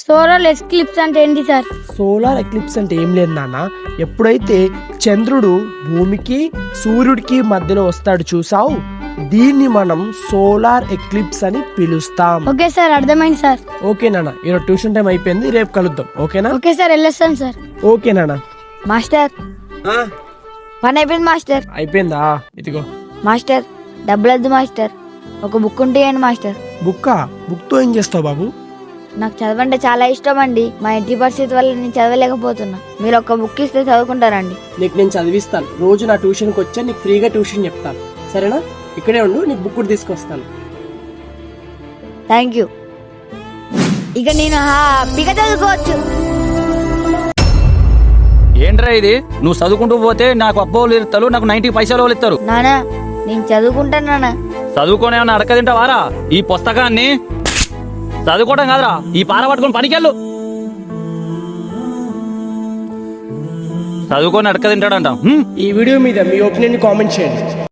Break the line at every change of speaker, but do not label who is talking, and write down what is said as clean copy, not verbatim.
Solar eclipse అంటే ఏంటి sir?
Solar eclipse అంటే ఏం లేదు నాన్న, ఎప్పుడైతే చంద్రుడు భూమికి సూర్యుడికి మధ్యలో వస్తాడు చూసావు, దీన్ని మనం సోలార్ ఎక్లిప్స్ అని పిలుస్తాం.
ఓకే సార్, అర్థమైంది సార్.
ఓకే నాన్న, ఈరోజు ట్యూషన్ టైం అయిపోయింది, రేపు కలుద్దాం. ఓకేనా?
ఓకే సార్, వెళ్ళొస్తాను సార్.
ఓకే నాన్న.
మాస్టర్, పని అయిపోయింది మాస్టర్.
అయిపోయిందా? ఇదిగో.
మాస్టర్, డబ్బులు వద్దు మాస్టర్, ఒక బుక్ ఉంటే ఇవ్వండి మాస్టర్.
బుక్తో ఏం చేస్తావు బాబు?
నాకు చదవంటే చాలా ఇష్టం అండి. మా ఇంటి పరిస్థితి వల్ల నేను చదవలేకపోతున్నా. మీరు ఒక బుక్ ఇస్తే చదువుకుంటారండి.
నీకు నేను చదివిస్తాను. రోజు నా ట్యూషన్కి వచ్చా నీకు ఫ్రీగా ట్యూషన్ చెప్తాను, సరేనా? ఇక్కడే ఉండు, నీకు బుక్ కూడా తీసుకొస్తాను.
Thank you. ఇక నేను హ్యాపీగా చదువుకోవచ్చు.
ఏంట్రా ఇది? నువ్వు చదువుకుంటూ పోతే నాకు అబ్బోలు ఇస్తారు, నాకు 90 పైసలు ఇస్తారు.
నానా, నేను చదువుకుంటాను నానా.
చదువుకోనే అడక తింటావారా? ఈ పుస్తకాన్ని చదువుకోవడం కాదురా, ఈ పార పట్టుకొని పనికెళ్ళు. చదువుకొని అడక తింటాడంట.
ఈ వీడియో మీద మీ ఒపీనియన్ కామెంట్ చేయండి.